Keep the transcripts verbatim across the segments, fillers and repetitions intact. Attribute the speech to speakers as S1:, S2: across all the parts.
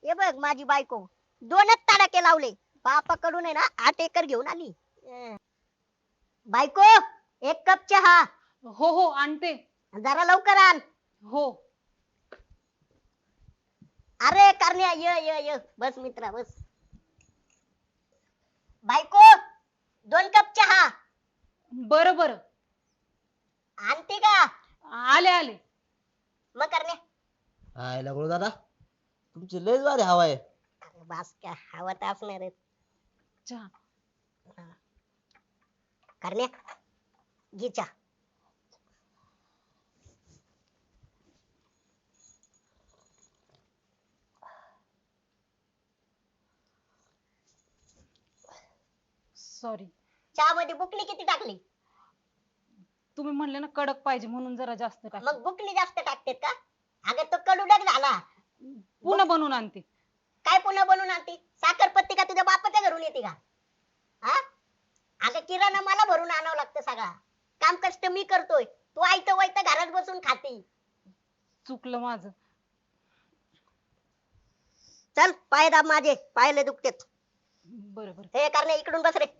S1: हे बघ माझी बायको दोनच तडाखे लावले, बापाकडून आहे ना आठ एकर घेऊन आली. अं. बायको, एक कप चहा.
S2: हो हो आणते.
S1: जरा लवकर आण.
S2: हो.
S1: अरे करण्या ये ये ये बस मित्रा बस. बायको, दोन कप चहा.
S2: बरं बरं.
S1: आणते का?
S2: आले आले.
S1: मग करण्या.
S3: हाय लागलो दादा, तुमची लयच भारी हवा आहे.
S1: अरे बास का हवा तर असणार आहे.
S2: चहा.
S1: करण्या घे चहा.
S2: सॉरी.
S1: चहा मध्ये बुकली किती टाकली?
S2: तुम्ही म्हणले ना कडक पाहिजे म्हणून जरा जास्त टाक.
S1: मग बुकली जास्त टाकतेत का? अगं तो कडूडक झाला.
S2: पुन्हा बनवून आणते.
S1: काय पुन्हा बनवून आणते? साखरपत्ती का तुझ्या बापाच्या घरून येते का? हा? अगं किराणा मला भरून आणावं लागतं सगळा. काम कष्ट मी करतोय, तू आयतं वायतं घरात बसून खाते.
S2: चुकलं माझं.
S1: चल पाय दाब माझे, पायले दुखतेत.
S2: बरं बरं.
S1: हे करणे इकडून बस रे.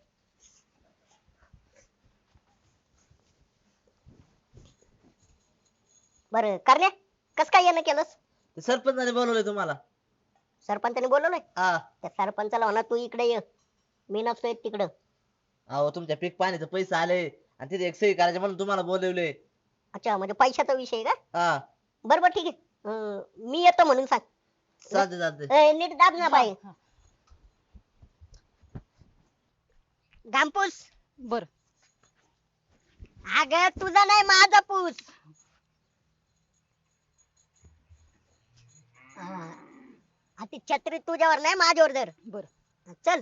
S1: बरं करणे, कस काय येणं केलंस?
S3: ते सरपंचाने बोलवलंय तुम्हाला.
S1: सरपंचाने बोलवलंय?
S3: हा.
S1: त्या सरपंचाला म्हणा तू इकडे ये, मी नसतोय तिकडं.
S3: अहो तुमच्या पीक पाण्याचे पैसे आले आणि तिथे एक सही करायचे म्हणून तुम्हाला बोलवले.
S1: अच्छा म्हणजे पैशाचा विषय का?
S3: हा.
S1: बरं बरं ठीक आहे. अं, मी येतो म्हणून सांग.
S3: चालते चालते.
S1: ए, नीट दाब ना बाई.
S2: हा,
S1: घामपूस.
S2: बरं.
S1: अगं तुझा नाही माझा पूस. हा. आ ती छत्री तुझ्यावर नाही माझ्यावर धर.
S2: बरं.
S1: चल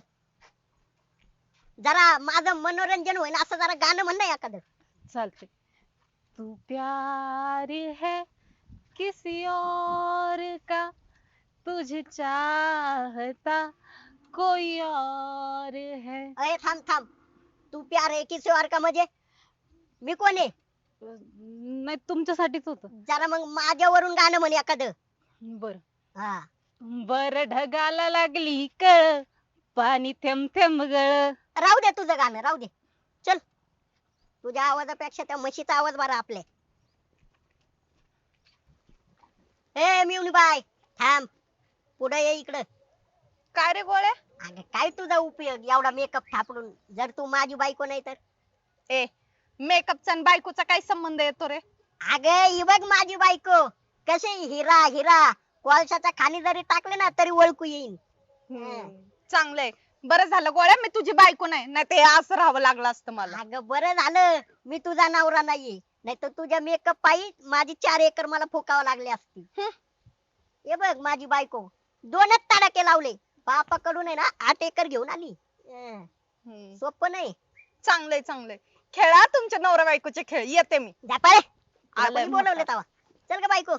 S1: जरा माझं मनोरंजन होईन असं जरा गाणं म्हण ना एखादं.
S2: चालते. तू प्यार है किसी और का, तुझे चाहता कोई और है.
S1: अरे थांब थांब, तू प्यार है किसी और का म्हणजे मी कोण आहे?
S2: नाही तुमच्यासाठीच होत.
S1: जरा मग माझ्यावरून गाणं म्हण एखादं.
S2: बर.
S1: हा.
S2: बर ढगाला लागली कळ, पाणी थेंब थेंब गळ.
S1: राहू दे तुझं गाणं राहू दे. चल तुझ्या आवाजापेक्षा त्या म्हशीचा आवाज बरा आपल्या. ए मिवनी बाय थांब, पुढे ये इकडं.
S4: काय रे गोळ्या?
S1: अगं काय तुझा उपयोग एवढा मेकअप थापडून, जर तू माझी बायको नाही तर?
S4: ए मेकअपचा आणि बायकोचा काय संबंध येतो रे?
S1: अगं ही बघ माझी बायको कशी हिरा हिरा, कोळशाच्या खाणी जरी टाकले ना तरी ओळखू येईन.
S4: चांगलंय. बरं झालं गोळ्या मी तुझी बायको नाही, नाही ते असं राहावं लागलं असतं मला.
S1: अगं बरं झालं मी तुझा नवरा नाहीये, नाही तर तुझ्या मेकअप पायी माझी चार एकर मला फुकावं लागली असती. हे बघ माझी बायको दोनच तडाखे लावले, बापाकडून आहे ना आठ एकर घेऊन आली. अं,
S4: हम्म.
S1: सोपं नाही.
S4: चांगलंय चांगलंय. खेळा तुमच्या नवरा बायकोचे खेळ, येते मी.
S1: जा पळे. तुला
S4: आलंय
S1: कोणी बोलवलं तवा? चल ग बायको.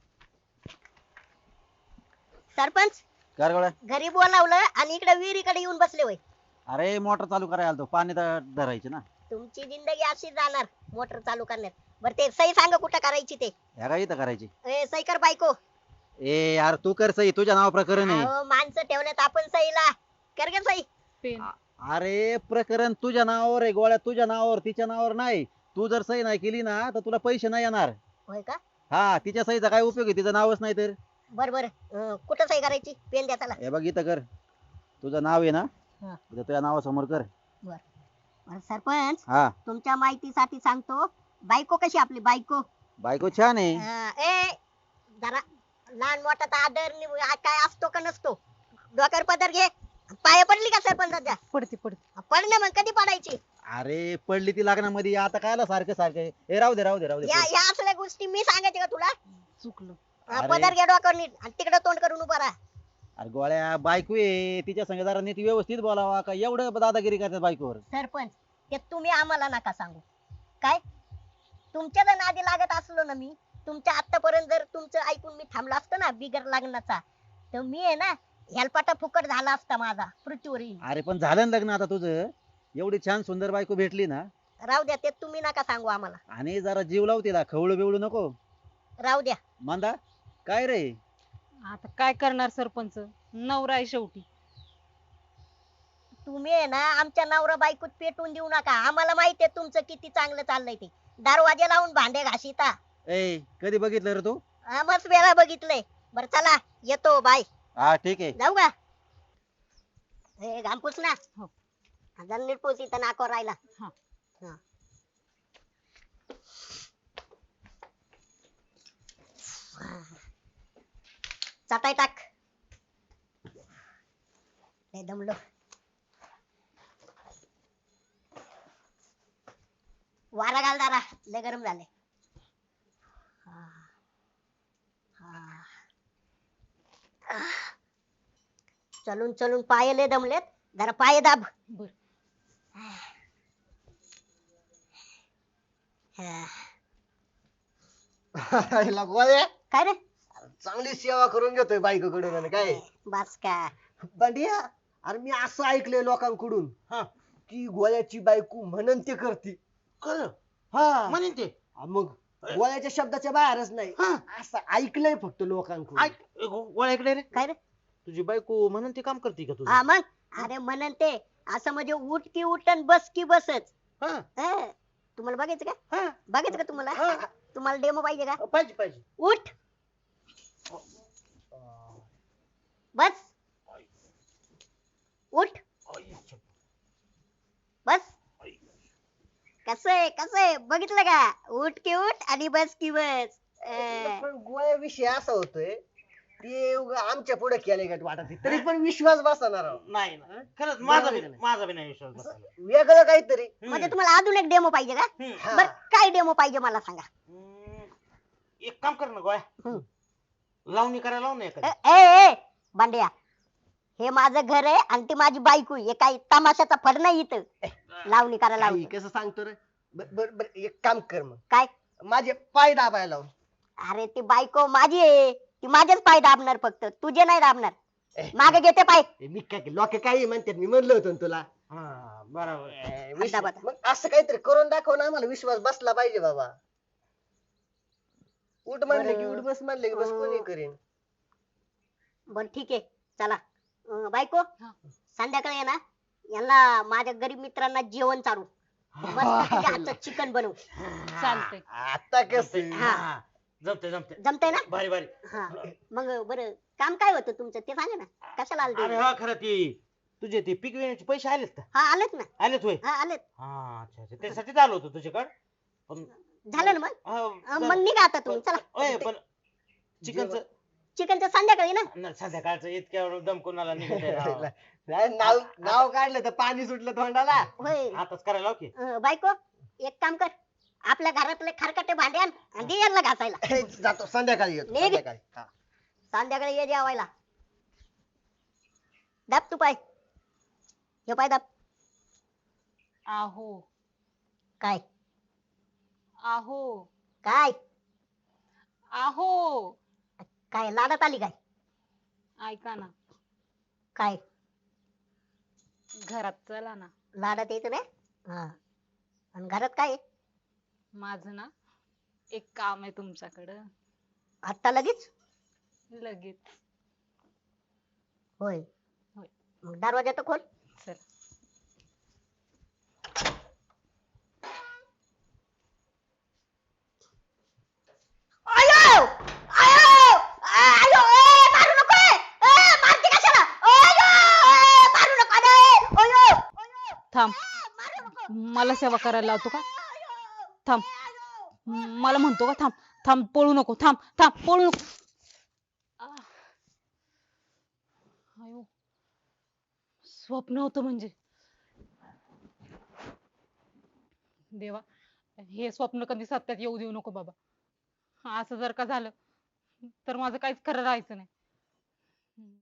S1: सरपंच
S5: काय रे गोळ्या?
S1: घरी बोलावलं आणि इकडे विहिरीकडे येऊन बसले होय.
S5: अरे मोटर चालू करायला आलतो, पाणी ध- धरायचे ना.
S1: तुमची जिंदगी अशी जाणार मोटर चालू करण्यात. बरं ते सही सांग कुठं करायची ते.
S5: ह्या काय इथं करायची?
S1: ए, सही कर बायको.
S5: ए यार तू कर सही, तुझ्या नाव प्रकरण आहे.
S1: अहो, माणसं ठेवण्यात आपण सहीला कर ग सही.
S2: पेन.
S5: अरे प्रकरण तुझ्या नावावर आहे गोळ्या, तुझ्या नावावर, तिच्या नावावर नाही. तू जर सही नाही केली ना तर तुला पैसे नाही येणार.
S1: होय का?
S5: हा, तिच्या सहीचा काय उपयोग आहे, तिचं नावच नाही तर.
S1: बर बर कुठं सही करायची? पेन द्या चला.
S5: हे बघ इथं कर, तुझं नाव आहे ना,
S1: हा.
S5: इथं तुझ्या नावासमोर कर.
S1: बरं, सरपंच
S5: हा.
S1: तुमच्या माहितीसाठी सांगतो, बायको कशी आपली बायको?
S5: बायको छान आहे.
S1: अं, ए जरा लहान मोठा आदर नि- आ- काय असतो का नसतो? डोक्यावर पदर घे. पाया पडली का सरपंचाच्या?
S2: पडते पडते.
S1: पड ना मग, कधी पडायची?
S5: अरे पडली ती लग्नामध्ये, आता कायला सारखं सारखं. ए राहू दे राहू दे राहू दे.
S1: या या असल्या गोष्टी मी सांगायचे का तुला?
S2: चुकलं.
S1: अं,
S5: अरे.
S1: पदर घे डोक्यावर नीट आणि तिकडे तोंड करून उभा राहा.
S5: अरे गोळ्या बायको आहे, तिच्या संग जरा नीट व्यवस्थित बोलावा का एवढं दादागिरी करतात बायकोवर.
S1: सरपंच ते तुम्ही आम्हाला नका सांगू. काय तुमच्या जर नादी लागत असलो ना मी, तुमच्या आतापर्यंत जर तुमचं ऐकून मी थांबलो असतो ना बिगर लग्नाचा, तर मी आहे ना हेलपाटा फुकट झाला असता माझा पृथ्वीवरील.
S5: अरे पण झालं ना लग्न आता तुझं, एवढी छान सुंदर बायको भेटली ना.
S1: राहू द्या ते तुम्ही नका सांगू आम्हाला.
S5: आणि जरा जीव लाव तिला, खवळू बिवळू नको.
S1: राहू द्या.
S5: मांदा काय रे?
S2: आता काय करणार सरपंच, नवरा आहे शेवटी.
S1: तुम्ही आहे ना आमच्या नवरा बायकोत पेटून देऊ नका. आम्हाला माहिती आहे तुमचं किती चांगलं चाललंय ते. दरवाजे लावून भांडे घासिता.
S5: ए कधी बघितलं रे तू?
S1: हा, मस्त वेळा बघितलंय. बरं चला येतो बाय.
S5: हा ठीक आहे.
S1: जाऊ का? हे घामपूस ना.
S2: हो.
S1: जरा नीट पोच इथं नाकावर राहिला.
S2: हा.
S1: हा. चटाई टाक. लय दमलो. वारा घाल जरा, लय गरम झाले. हा. हा. आह. चलून चलून पाय लय दमलेत. जरा पाय दाब.
S2: बर.
S1: हा.
S6: हिला गोळ्या
S1: काय रे?
S6: चांगली सेवा करून घेतोय बायकोकडून आणि काय
S1: बस का?
S6: बंडिया, अरे मी असं ऐकलंय लोकांकडून
S3: हा.
S6: की गोळ्याची बायको म्हणन ते करते.
S3: खरं
S6: हा
S3: म्हणेन ते.
S6: हा, मग गोळ्याच्या शब्दाच्या बाहेरच नाही
S3: हा.
S6: असं ऐकलंय फक्त लोकांकडून.
S3: ऐक ए, गो- गोळ्या इकडे रे.
S1: काय रे?
S3: तुझी बायको म्हणून ते काम करते का तुझं?
S1: हा मग अरे म्हणन ते असं म्हणजे उठ की उठन बस की बसच.
S3: हा.
S1: हा. तुम्हाला बघायचं का?
S3: हा.
S1: बघायचं का तुम्हाला?
S3: हा.
S1: तुम्हाला डेमो पाहिजे का?
S3: पाहिजे पाहिजे.
S1: उठ बस. उठ बस. कसं आहे कसं आहे बघितलं का? उठ की उठ आणि बस की बस. अं,
S6: पण गोळ्याविषयी असा होतोय ते उगा आमच्या पुढे केले का वाटत नाही. तरी पण विश्वास बसणार आहो.
S3: नाही ना खरंच माझा बी
S6: बरोबर आहे.
S3: माझा बी नाही विश्वास
S6: असं
S3: बसला.
S6: वेगळं काहीतरी.
S1: म्हणजे तुम्हाला अजून एक डेमो पाहिजे का?
S3: हम्म.
S6: हा.
S1: बर काय डेमो पाहिजे मला सांगा.
S3: हम्म. एक काम कर ना गोळ्या,
S1: हम्म.
S3: लावणी करायला लावून
S1: ए
S3: एखादी.
S1: ए, ए, बांड्या हे माझं घर आहे आणि ती माझी बायको आहे. हे काही तमाशाचा फड नाही इथं लावणी करायला
S6: काही
S1: लावतो.
S6: कसं सांगतो रे. बर बर बर, एक काम कर मग
S1: काय?
S6: माझे पाय दाबायला लावून.
S1: अरे ती बायको माझी आहे. ती माझेच पाय दाबणार फक्त तुझे नाही दाबणार.
S6: ए,
S1: मागे घेते पाय.
S6: ए, मी काय लोक काही म्हणतात मी म्हणलं होतं ना तुला.
S3: हा बरोबर.
S6: ए,
S1: अड्डा
S6: विश्वास-
S1: बता.
S6: मग असं काहीतरी करून दाखव ना, आम्हाला विश्वास बसला पाहिजे बाबा. उठ म्हणले की
S1: बरं.
S6: उठ, बस म्हणले की बस,
S1: अं,
S6: कोणी करेन.
S1: बर ठीक आहे चला. अं, बायको
S2: हा.
S1: संध्याकाळी आहे ना यांना माझ्या गरीब मित्रांना जेवण चालू मस्त तुझ्या हातचं चिकन बनवू.
S2: चालतंय.
S6: आता कस
S1: हा.
S3: जमते जमते.
S1: जमतंय ना?
S3: भारी भारी.
S1: हा मग बरं काम काय होतं तुमचं ते सांगा ना. कशाला
S3: अरे
S1: आलते?
S3: हा खरं ते तुझे ते पीक विम्याचे पैसे आलेत का?
S1: हा आलेत ना.
S3: आलेत होय.
S1: हा आलेत.
S3: हा अच्छा अच्छा त्यासाठीच आलो होतो तुझ्याकडे. पण
S1: झालं ना मग?
S3: हा,
S1: अं,
S3: बरं.
S1: मग निघा आता तुम्ही चला.
S3: ओय, पण चिकनचं
S1: चिकनचं संध्याकाळी ना.
S3: न, संध्याकाळचं इतक्या दम कोणाला निघत आहे राव.
S6: नाही, नाव नाव काढलं तर पाणी सुटलं तोंडाला.
S1: होय.
S3: आताच करायला लाव की.
S1: अं, बायको एक काम कर आपल्या घरातले खरकटे भांडे आण आणि दे यांना घासायला.
S6: जातो संध्याकाळी येतो,
S1: निघ.
S6: संध्याकाळी हा.
S1: संध्याकाळी ये जेवायला. दाब तू पाय. हे पाय दाब.
S2: आहो
S1: काय
S2: आहो
S1: काय
S2: आहो
S1: काय लाडात आली काय?
S2: ऐका ना,
S1: काय
S2: घरात चला ना.
S1: लाडात यायचं नाही. हा आणि घरात काय आहे?
S2: माझं ना एक काम आहे तुमच्याकडं.
S1: आत्ता लगेच?
S2: लगेच.
S1: होय.
S2: होय.
S1: मग दरवाजा तर खोल.
S2: चल.
S1: आयो आयो आयो ए मारू नको ए ए, मारते कशाला? आयो ए, मारू नको रे आयो आयो
S2: थांब,
S1: मारू नको.
S2: मला सेवा करायला लावतो का? थांब, मला म्हणतो का थांब थांब पळू नको, थांब थांब पळू नको. आह. आयो स्वप्न होतं म्हणजे. देवा हे स्वप्न कधी सत्यात येऊ देऊ नको बाबा. असं जर का झालं तर माझं काहीच खरं राहायचं नाही.